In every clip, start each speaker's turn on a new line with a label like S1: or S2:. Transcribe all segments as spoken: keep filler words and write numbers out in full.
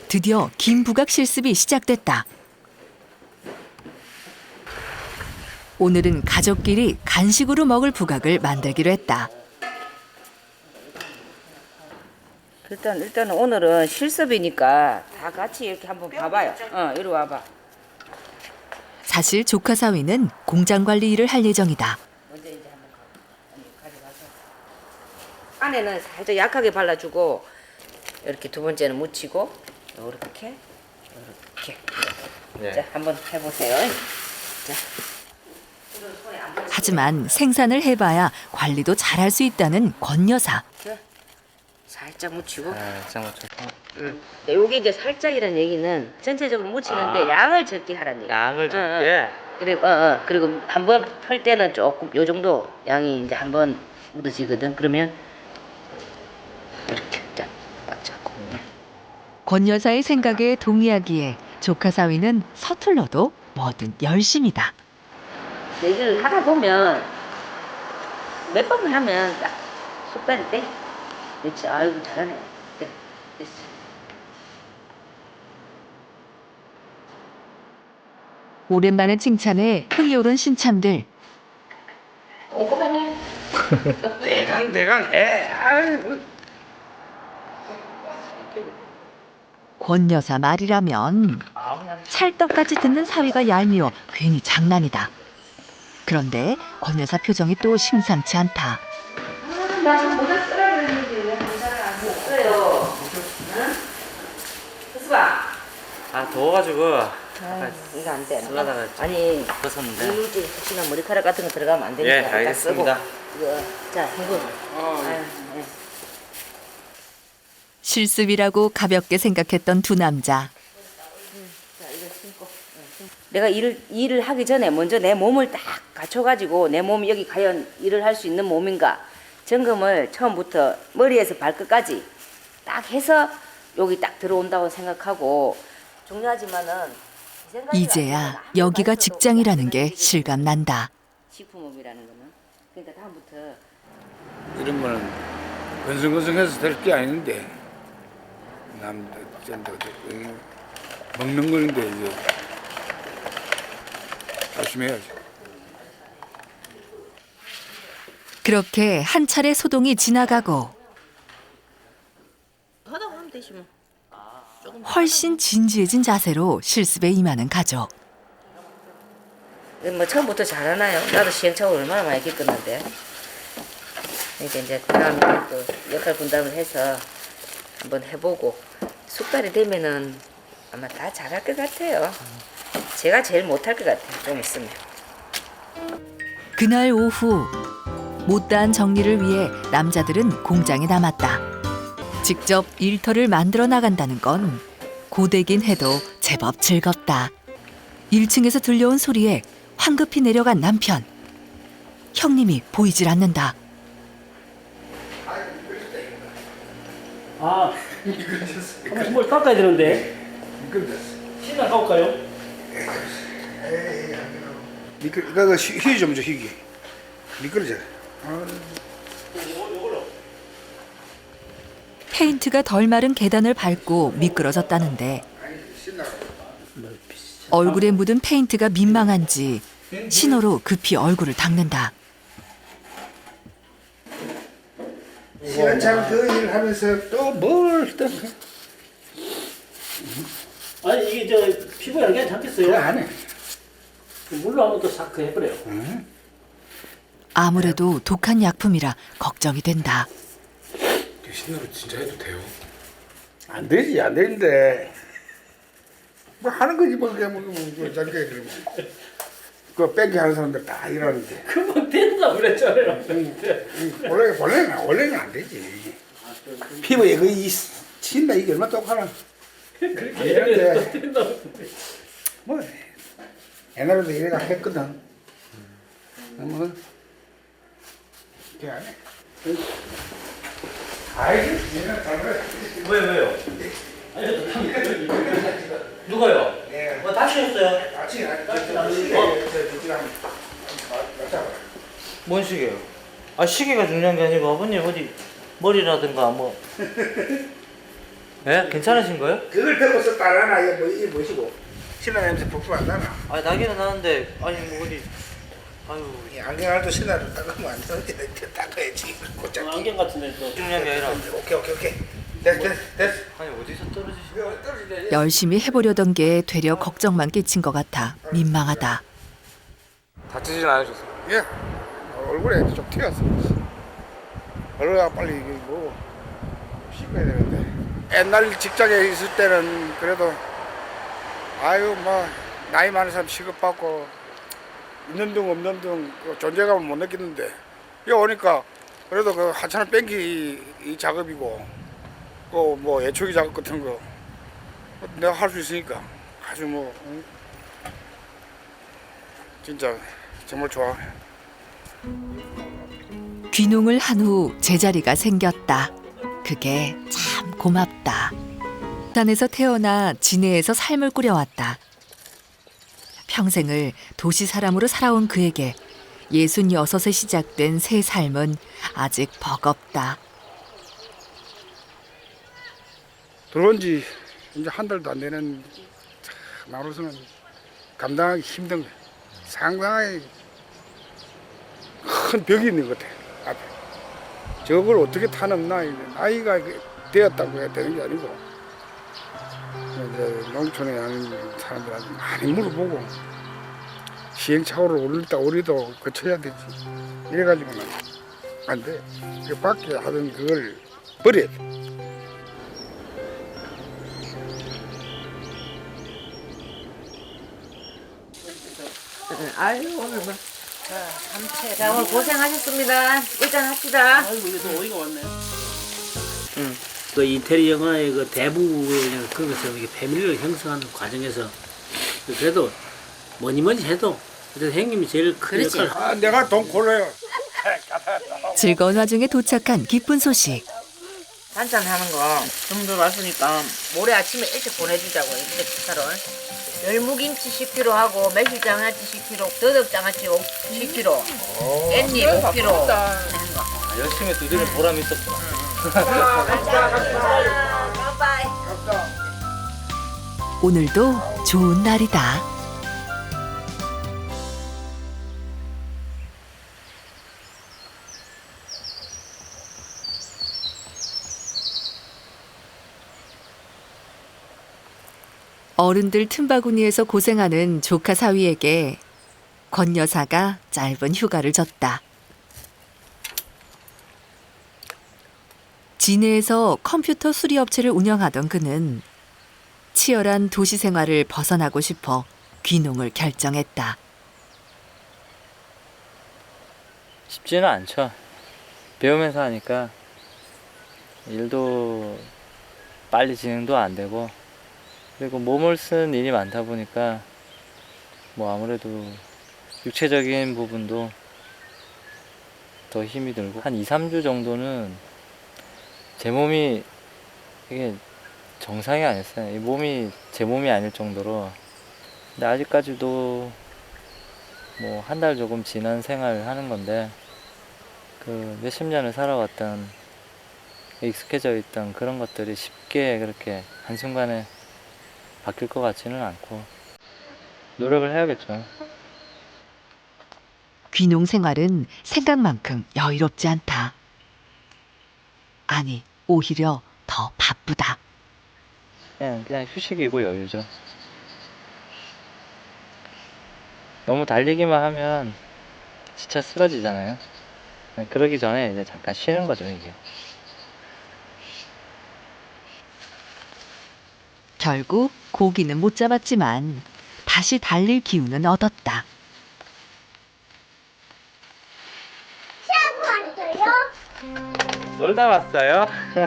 S1: 드디어 김부각 실습이 시작됐다. 오늘은 가족끼리 간식으로 먹을 부각을 만들기로 했다.
S2: 일단 일단 오늘은 실습이니까 다 같이 이렇게 한번 봐봐요. 어, 이리 와봐.
S1: 사실 조카 사위는 공장 관리 일을 할 예정이다.
S2: 먼저 이제 한번 가져가서 안에는 살짝 약하게 발라주고 이렇게 두 번째는 묻히고 이렇게 이렇게.
S3: 네.
S2: 자, 한번 해보세요. 자.
S1: 하지만 생산을 해봐야 관리도 잘할 수 있다는 권 여사.
S2: 자, 살짝 묻히고.
S3: 아, 잠깐 잠깐.
S2: 응. 요게 이제 살짝이라는 얘기는 전체적으로 묻히는데
S3: 아.
S2: 양을 적게 하라는 얘기.
S3: 양을 적게.
S2: 응, 응. 그리고 어, 어. 그리고 한번 펼 때는 조금 요 정도 양이 이제 한번 묻어지거든. 그러면 이렇게 딱, 딱 잡고.
S1: 권 여사의 생각에 동의하기에 조카 사위는 서툴러도 뭐든 열심이다.
S2: 얘기를 하다 보면 몇 번을 하면 딱 숟갈이 돼. 그렇지. 아이고 잘하네. 네, 됐어.
S1: 오랜만에 칭찬에 흥이 오른 신참들.
S2: 꼼꼼하네.
S3: 대강 대강 해. 아이고.
S1: 권 여사 말이라면 찰떡같이 듣는 사위가 얄미워 괜히 장난이다. 그런데 권 여사 표정이 또 심상치 않다.
S2: 아, 나 지금 모자 쓰라 그랬는데 왜 모자를 안 썼어요? 응? 수수아.
S3: 아 더워가지고.
S2: 아, 이거 안 돼.
S3: 쓰려다가
S2: 아니,
S3: 벗었는데.
S2: 이물질 혹시나 머리카락 같은 거 들어가면 안 되니까.
S3: 예,
S2: 일단
S3: 알겠습니다.
S2: 쓰고. 이거, 자, 이거. 아유, 예.
S1: 실습이라고 가볍게 생각했던 두 남자.
S2: 내가 일을 일을 하기 전에 먼저 내 몸을 딱 갖춰가지고 내 몸이 여기 과연 일을 할 수 있는 몸인가 점검을 처음부터 머리에서 발끝까지 딱 해서 여기 딱 들어온다고 생각하고 중요하지만은 이 생각이
S1: 이제야
S2: 아니라
S1: 여기가
S2: 아무리
S1: 직장이라는 게
S2: 말해도
S1: 실감 난다.
S2: 식품업이라는 거는 그러니까 다음부터
S4: 이런 거는 건성건성해서 될 게 아닌데 남들 먹는 거인데 이제 조심해야지.
S1: 그렇게 한 차례 소동이 지나가고
S2: 하다 보면 되지 뭐.
S1: 훨씬 진지해진 자세로 실습에 임하는 가족.
S2: 뭐 처음부터 잘하나요? 나도 시행착오를 얼마나 많이 겪었는데. 그러니까 이제 그다음에 또 역할 분담을 해서 한번 해보고 숙달이 되면은 아마 다 잘할 것 같아요. 제가 제일 못할 것 같아요. 좀 있으면.
S1: 그날 오후 못다한 정리를 위해 남자들은 공장에 남았다. 직접 일터를 만들어 나간다는 건 고되긴 해도 제법 즐겁다. 일 층에서 들려온 소리에 황급히 내려간 남편. 형님이 보이질 않는다.
S5: 아, 한번 뭘 깎아야 되는데. 신나 가볼까요?
S4: 미끄 이거 희귀 좀 줘, 희귀. 미끄러져.
S1: 페인트가 덜 마른 계단을 밟고 미끄러졌다는데 얼굴에 묻은 페인트가 민망한지 신호로 급히 얼굴을 닦는다.
S4: 시간참 그 일을 하면서 또 뭘 또.
S5: 아니 이게 저 피부에 안 괜찮겠어요?
S4: 그거 안 해.
S5: 물로 한번 또 싹 해버려요.
S4: 응?
S1: 아무래도 독한 약품이라 걱정이 된다.
S4: 신나로 진짜 해도 돼요? 안 되지, 안 되는데. 뭐 하는 거지 뭐 그냥 뭐, 뭐, 뭐 자기가 그러면. 그거 뺑기 하는 사람들 다 이러는데.
S5: 금방 된다 그랬잖아요.
S4: 원래 원래는 원래는 안 되지. 피부에 그이 친다 이게 얼마 똑하나.
S5: 그렇게
S4: 아니는데.
S5: 해도 된다.
S4: 뭐 옛날에도 이래가 했거든. 뭐 그게 안 해. 아이고, 얘는 잘해.
S3: 왜 왜요? 누가요?
S4: 예.
S3: 뭐 다치셨어요?
S4: 같이 같이
S3: 뭔 시계요? 아 시계가 중요한 게 아니고 아버님 어디 머리라든가 뭐 예? 괜찮으신 거예요?
S4: 그걸 들고 썼다라나 이거 뭐 이게 뭐시고 신라 냄새 폭풍 안 나나?
S3: 아 나기는 나는데 아니 뭐 어디 아유
S4: 이 안경알도 신라로 닦으면 안 되는데 이렇게 닦아야지. 곧장.
S5: 안경 같은데 또.
S3: 중요한 게 아니라
S4: 오케이 오케이 오케이. 됐어 됐어 됐어.
S3: 아니 어디서 떨어지시
S4: 이거 떨어지네.
S1: 열심히 해보려던 게 되려 걱정만 끼친 것 같아 민망하다.
S3: 다치진 않으셨어요?
S4: 예. 얼굴에 좀 튀었어. 얼굴가 빨리 이게 뭐 씻어야 되는데. 옛날 직장에 있을 때는 그래도 아유 뭐 나이 많은 사람 취급받고 있는 둥 없는 둥그 존재감을 못 느끼는데 여기 오니까 그래도 그 하찮은 뺑기 이 작업이고 그 뭐 예초기 작업 같은 거 내가 할 수 있으니까 아주 뭐 응? 진짜 정말 좋아.
S1: 귀농을 한 후 제자리가 생겼다. 그게 참 고맙다. 산에서 태어나 진해에서 삶을 꾸려왔다. 평생을 도시 사람으로 살아온 그에게 예순여섯에 시작된 새 삶은 아직 버겁다.
S4: 들어온 지 이제 한 달도 안 되는 나로서는 감당하기 힘든 거야. 상당히 큰 벽이 있는 것 같아. 앞에. 저걸 어떻게 타넘나. 나이가 되었다고 해야 되는 게 아니고 이제 농촌에 사는 사람들한테 많이 물어보고 시행착오를 올리다 오리도 거쳐야 되지. 이래가지고는 안 돼. 그 밖에 하던 그걸 버려야 돼.
S2: 아유 오늘 뭐 삼채. 자 오늘 고생하셨습니다. 일단 합시다.
S5: 아이고 이게 또 어이가 왔네. 응. 그 이태리 영화의 그 대부분의 거기서 이게 패밀리를 형성하는 과정에서 그래도 뭐니 뭐니 해도 그래도 형님이 제일 큰
S2: 그렇지.
S5: 역할을
S4: 아, 내가 돈 골라요.
S1: 즐거운 와중에 도착한 기쁜 소식.
S2: 반찬 하는 거 좀 들어왔으니까 모레 아침에 일찍 보내주자고 이렇게 식사를. 열무김치 십 킬로그램 하고 매실장아찌 십 킬로그램, 더덕장아찌 십 킬로그램, 깻잎 오 킬로그램 하는 거.
S3: 아, 열심히 두드린 보람이 있었구나.
S2: 바이바이.
S1: 오늘도 좋은 날이다. 어른들 틈바구니에서 고생하는 조카 사위에게 권 여사가 짧은 휴가를 줬다. 진해에서 컴퓨터 수리업체를 운영하던 그는 치열한 도시 생활을 벗어나고 싶어 귀농을 결정했다.
S3: 쉽지는 않죠. 배우면서 하니까 일도 빨리 진행도 안 되고 그리고 몸을 쓰는 일이 많다 보니까 뭐 아무래도 육체적인 부분도 더 힘이 들고 한 이, 삼 주 정도는 제 몸이 이게 정상이 아니었어요. 이 몸이 제 몸이 아닐 정도로. 근데 아직까지도 뭐 한 달 조금 지난 생활을 하는 건데 그 몇십 년을 살아왔던 익숙해져 있던 그런 것들이 쉽게 그렇게 한순간에 바뀔 것 같지는 않고 노력을 해야겠죠.
S1: 귀농 생활은 생각만큼 여유롭지 않다. 아니, 오히려 더 바쁘다.
S3: 그냥, 그냥 휴식이고 여유죠. 너무 달리기만 하면 진짜 쓰러지잖아요. 그러기 전에 이제 잠깐 쉬는 거죠, 이게.
S1: 결국 고기는 못 잡았지만 다시 달릴 기운은 얻었다.
S3: 놀다 왔어요?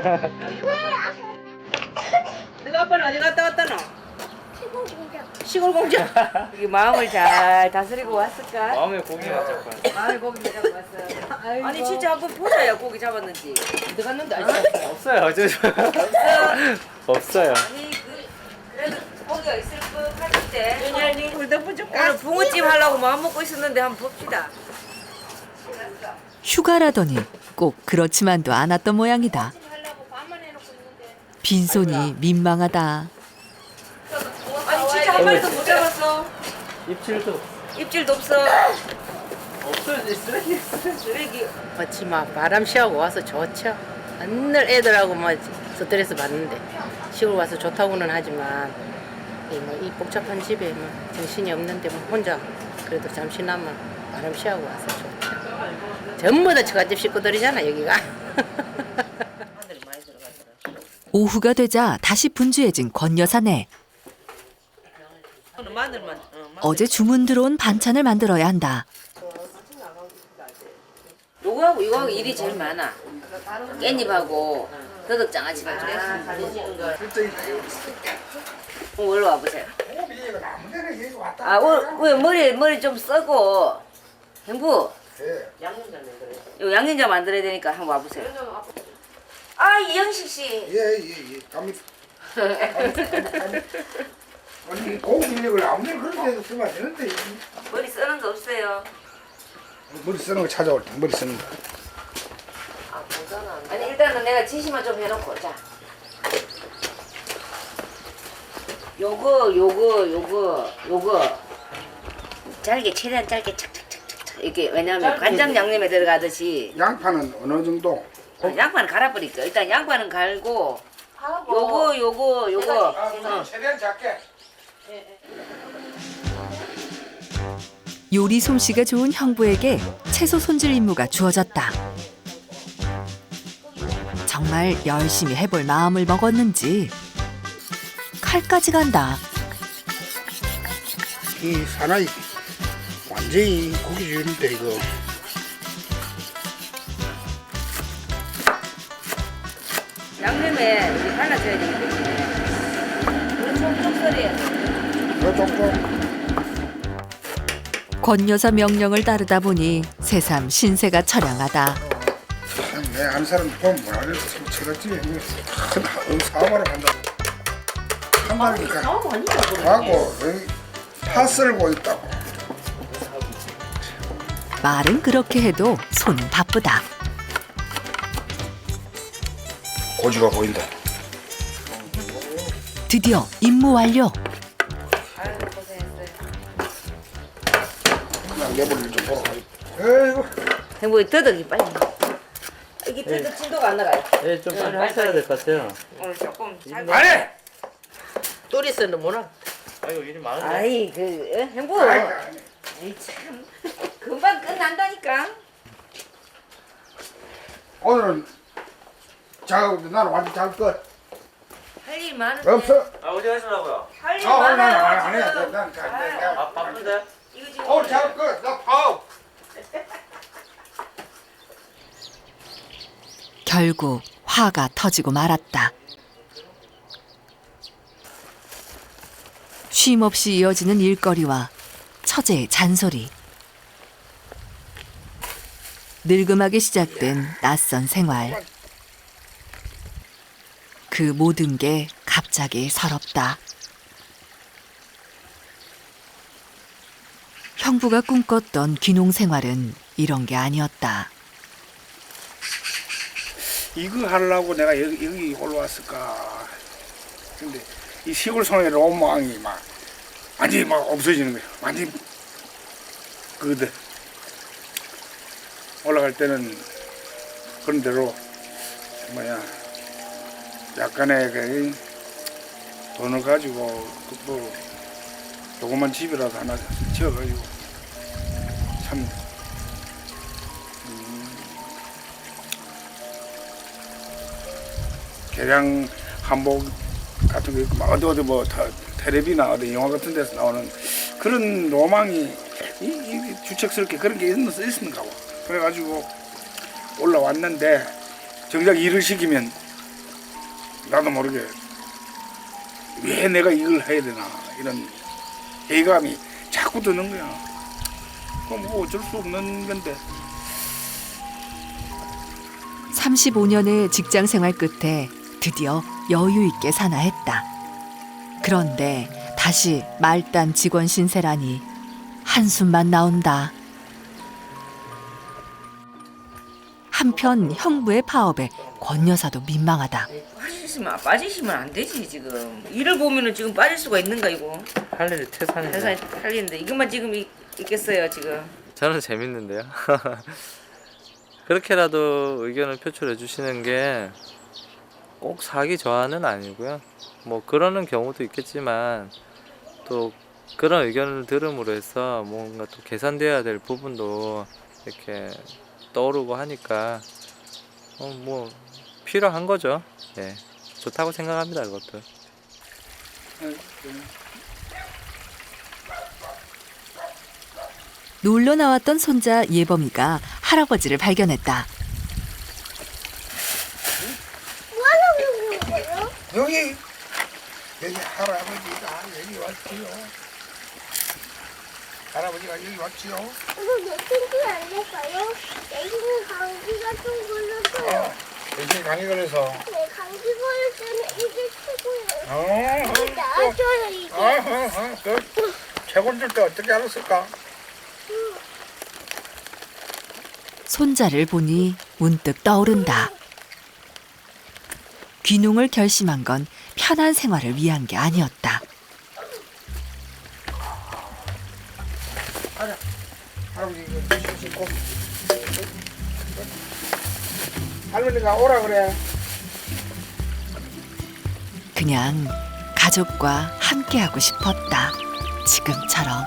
S2: 내가 아빠는 어디 갔다 왔다노? 시골 공장. 이 마음을 잘 다스리고 왔을까?
S3: 마음에 고기가 자꾸
S2: 마음에 고기 잡고 왔어. 아니 진짜 한번 보자야 고기 잡았는지. 어디 갔는데 아직
S3: 없어요. 어제 없어요.
S2: 아니 그 그래도 고기가 있을 것 같은데. 윤열님 불닭 줄까? 오늘 붕어찜 하려고 마음 먹고 있었는데 한번 봅시다.
S1: 휴가라더니 꼭 그렇지만도 않았던 모양이다. 빈손이 민망하다.
S2: 아니 진짜 한 마리도 못 잡았어.
S3: 입질도
S2: 입질도 없어.
S3: 없어요. 쓰레기.
S2: 쓰레기.
S6: 마치 막 바람 쉬하고 와서 좋죠. 맨날 애들하고 뭐 스트레스 받는데 시골 와서 좋다고는 하지만 이, 뭐, 이 복잡한 집에 뭐 정신이 없는데 뭐 혼자 그래도 잠시나마 바람 쉬하고 와서 좋죠. 전부 다 처갓집 식구들이잖아 여기가.
S1: 오후가 되자 다시 분주해진 권 여사네.
S2: 마늘만.
S1: 어제 주문 들어온 반찬을 만들어야 한다.
S2: 요거하고 이거하고 일이 제일 많아. 깻잎하고 더덕장아찌가 그래. 어, 올라 와보세요. 아, 어, 왜 머리 머리 좀 써고 행부. 요 양념장 만들어야 되니까 한번 와보세요. 아 이영식 씨.
S4: 예예예. 갑니다. 아니 고기 인력을 아무리 그런 데서 쓰면 안 되는데
S2: 머리 쓰는 거 없어요.
S4: 머리 쓰는 거 찾아올 때 머리 쓰는 거.
S2: 아니 일단은 내가 지시만 좀 해놓고 자. 요거 요거 요거 요거 잘게 최대한 짧게 착착착착 이렇게 왜냐하면 간장 양념에 들어가듯이
S4: 양파는 어느 정도?
S2: 어, 양파는 갈아버릴게요. 일단 양파는 갈고 요거 요거 요거 어.
S4: 최대한 작게.
S1: 요리 솜씨가 좋은 형부에게 채소 손질 임무가 주어졌다. 정말 열심히 해볼 마음을 먹었는지 칼까지 간다.
S4: 이 사나이 완전히 고기 주는데 이거.
S2: 양념에 우리 갈라져야 되기 때문에 우리 촉촉 썰어야 돼.
S4: 이거 조금
S1: 권 여사 명령을 따르다 보니 새삼 신세가 처량하다.
S4: 내 아는 사람 보면 뭐라 그래? 저랬지. 큰 사업하러 간다. 한 마리니까 하고 여기 파 썰고 있다고.
S1: 말은 그렇게 해도 손은 바쁘다.
S4: 고지가 보인다.
S1: 드디어 임무 완료.
S4: 내버리를 좀 보러 가야지. 에이구.
S2: 행복이 더덕이 빨리. 이게 더덕 진도가 안 나가요.
S3: 예, 좀 빨리 하셔야 될 것 같아요.
S2: 오늘 조금 잘.
S4: 안 해!
S6: 또리스는 뭐라?
S3: 아이고 일이 많은데.
S2: 아이 그 어? 행복.
S4: 아이고, 안 해.
S2: 에이 참 금방 끝난다니까.
S4: 오늘은 작업도 나는 완전 작업 끝.
S2: 할 일 많은데.
S4: 없어.
S3: 아 어디 가시려고요?
S2: 할 일
S4: 아, 오늘 나는
S2: 많아요.
S4: 안 해.
S2: 지금.
S4: 난 가.
S3: 아 바쁜데?
S2: 이거 지금
S4: 오늘 작업 끝. 나 파업.
S1: 결국 화가 터지고 말았다. 쉼없이 이어지는 일거리와 처제의 잔소리. 늙음하게 시작된 낯선 생활. 그 모든 게 갑자기 서럽다. 형부가 꿈꿨던 귀농 생활은 이런 게 아니었다.
S4: 이거 하려고 내가 여기, 여기 올라왔을까. 근데 이 시골 생활의 로망이 막 완전히 막 없어지는 거야. 완전히 그거들. 올라갈 때는 그런 대로 뭐야 약간의 그 돈을 가지고 그뭐 조그만 집이라도 하나 지어가지고 참 음, 개량 한복 같은 거 있고 막 어디 어디 뭐 다, 텔레비나 어디 영화 같은 데서 나오는 그런 로망이 이, 이 주책스럽게 그런 게 있는 있는가 봐. 그래가지고 올라왔는데 정작 일을 시키면 나도 모르게 왜 내가 이걸 해야 되나 이런 회의감이 자꾸 드는 거야. 그럼 뭐 어쩔 수 없는 건데.
S1: 삼십오 년의 직장 생활 끝에 드디어 여유 있게 사나 했다. 그런데 다시 말단 직원 신세라니 한숨만 나온다. 한편 형부의 파업에 권 여사도 민망하다.
S2: 빠지시면 빠지시면 안 되지 지금. 일을 보면은 지금 빠질 수가 있는가 이거.
S3: 할 일이 태산인데.
S2: 회사에 팔리는데 이것만 지금 있, 있겠어요 지금.
S3: 저는 재밌는데요. 그렇게라도 의견을 표출해 주시는 게 꼭 사기 저하는 아니고요. 뭐 그러는 경우도 있겠지만 또 그런 의견을 들음으로 해서 뭔가 또 개선돼야 될 부분도 이렇게 떠오르고 하니까 어 뭐 필요한 거죠. 예, 좋다고 생각합니다. 그것도.
S1: 놀러 나왔던 손자 예범이가 할아버지를 발견했다.
S4: 여기 여기 할아버지가 여기 왔지요. 할아버지가 여기 왔지요.
S7: 이거 몇 센치 안 될까요? 내기는 감기가 좀 걸려서요.
S4: 어, 대신 감기 걸려서.
S7: 네, 감기 걸릴 때는 이게 최고예요.
S4: 어,
S7: 나아져요, 이게.
S4: 어, 어, 어, 그 최고인 줄 어떻게 알았을까?
S1: 손자를 보니 문득 떠오른다. 귀농을 결심한 건 편한 생활을 위한 게 아니었다.
S4: 할아버지 이거 드실 수 있고. 할머니가 오라 그래.
S1: 그냥 가족과 함께하고 싶었다. 지금처럼.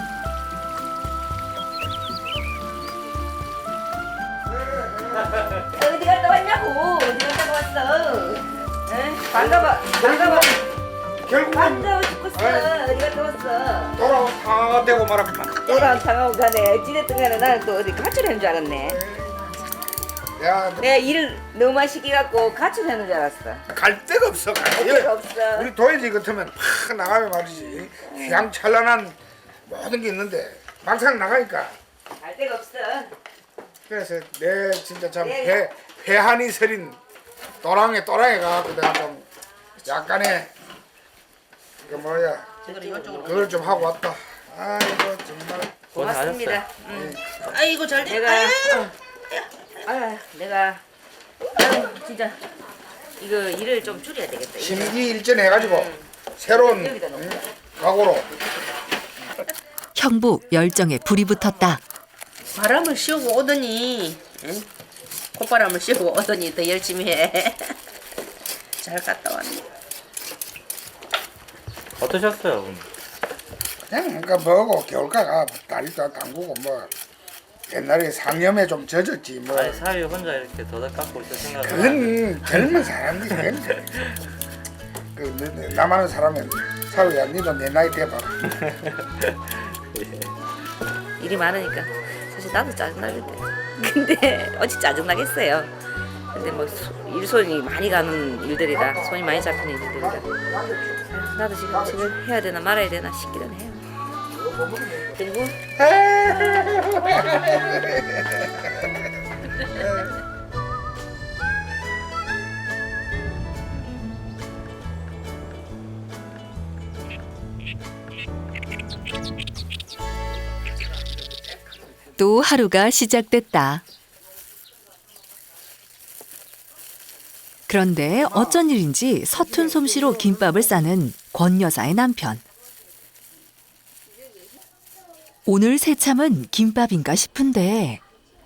S2: 어디 갔다 왔냐고. 어디 갔다 왔어. 응? 반가워. 반가워.
S4: 결국은
S2: 반가워 죽겠어. 어디 갔다 왔어.
S4: 돌아오 다 되고 말았구만.
S2: 돌아온 당하고 가네. 어찌됐든 간에 나는 또 어디 가출하는 줄 알았네.
S4: 야,
S2: 내가 일을 너무 많이 시켜갖고 가출하는 줄 알았어.
S4: 갈 데가 없어. 갈
S2: 갈
S4: 데가
S2: 데가 없어.
S4: 우리 도예지 같으면 팍 나가면 말이지. 휘황찬란한 모든 게 있는데 막상 나가니까.
S2: 갈 데가 없어.
S4: 그래서 내 진짜 참
S2: 네.
S4: 배, 배한이 서린 또랑에 또랑에 가갖고 내가 좀 약간의 그 뭐야 그걸 좀 하고 왔다. 아이고 정말
S2: 고맙습니다. 응.
S6: 아이고 잘 돼.
S2: 내가 어. 아 내가 아유, 진짜 이거 일을 좀 줄여야 되겠다. 이거.
S4: 심기일전해가지고 새로운
S2: 여기다 놓고.
S4: 음, 각오로
S1: 형부 열정에 불이 붙었다.
S6: 바람을 씌우고 오더니, 응? 콧바람을 씌우고 오더니 더 열심히 해. 잘 갔다 왔네.
S3: 어떠셨어요, 어머니?
S4: 그냥 그러니까 뭐고 겨울가가 다리도 담그고 뭐 옛날에 상염에 좀 젖었지 뭐
S3: 아니 사위 혼자 이렇게 더덕 깎고 있을 생각은 안
S4: 그건 젊은 사람들이 그건 그 너- 너- 나만한 사람은 사위야 니도 내 나이 돼봐라.
S2: 일이 많으니까 사실 나도 짜증나는데 근데 어찌 짜증나겠어요. 근데 뭐 소- 일손이 많이 가는 일들이라 손이 많이 잡히는 일들이라 나도 지금 지금 해야 되나 말아야 되나 싶기는 해요. 그리고
S1: 또 하루가 시작됐다. 그런데 어쩐 일인지 서툰 솜씨로 김밥을 싸는 권 여사의 남편. 오늘 새참은 김밥인가 싶은데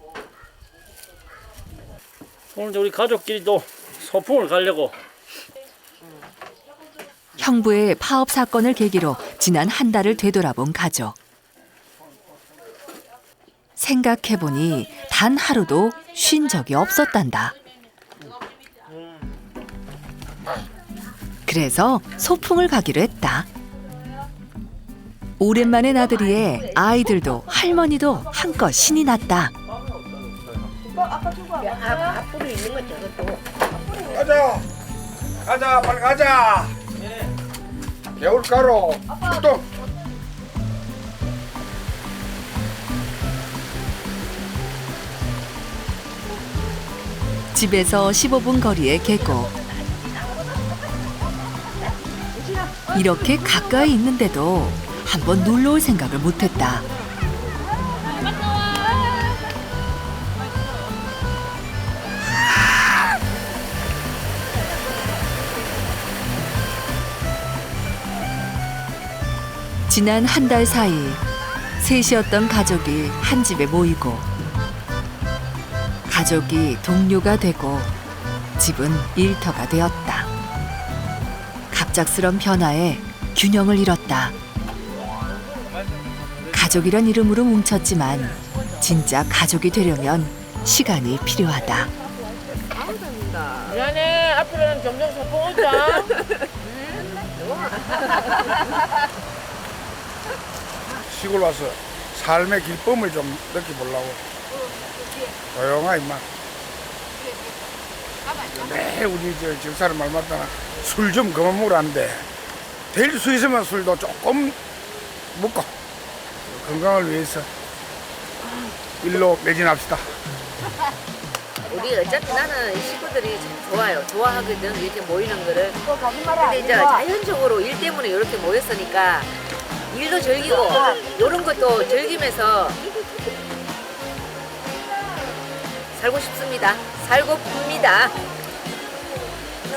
S5: 오늘 우리 가족끼리도 소풍을 가려고.
S1: 형부의 파업 사건을 계기로 지난 한 달을 되돌아본 가족. 생각해보니 단 하루도 쉰 적이 없었단다. 그래서 소풍을 가기로 했다. 오랜만에 나들이에 아이들도 할머니도 한껏 신이 났다.
S6: 앞으로 있는 거 저것도.
S4: 가자 가자 빨리 가자. 겨울가루 또
S1: 집에서 십오 분 거리의 계곡. 이렇게 가까이 있는데도 한번 놀러 올 생각을 못했다. 지난 한 달 사이 셋이었던 가족이 한 집에 모이고 가족이 동료가 되고 집은 일터가 되었다. 갑작스런 변화에 균형을 잃었다. 가족이란 이름으로 뭉쳤지만 진짜 가족이 되려면 시간이 필요하다.
S6: 미안해. 앞으로는 점점 소풍 오자.
S4: 시골 와서 삶의 기쁨을 좀 느껴보려고. 조용하 임마. 매일 우리 저 집사람 말 맞다나 술 좀 그만 먹으라는데 될 수 있으면 술도 조금 먹고 건강을 위해서 일로 매진합시다.
S2: 우리 어차피 나는 이 식구들이 참 좋아요. 좋아하거든. 이렇게 모이는 거를. 근데 이제 자연적으로 일 때문에 이렇게 모였으니까 일도 즐기고 이런 것도 즐기면서 살고 싶습니다. 살고 풉니다.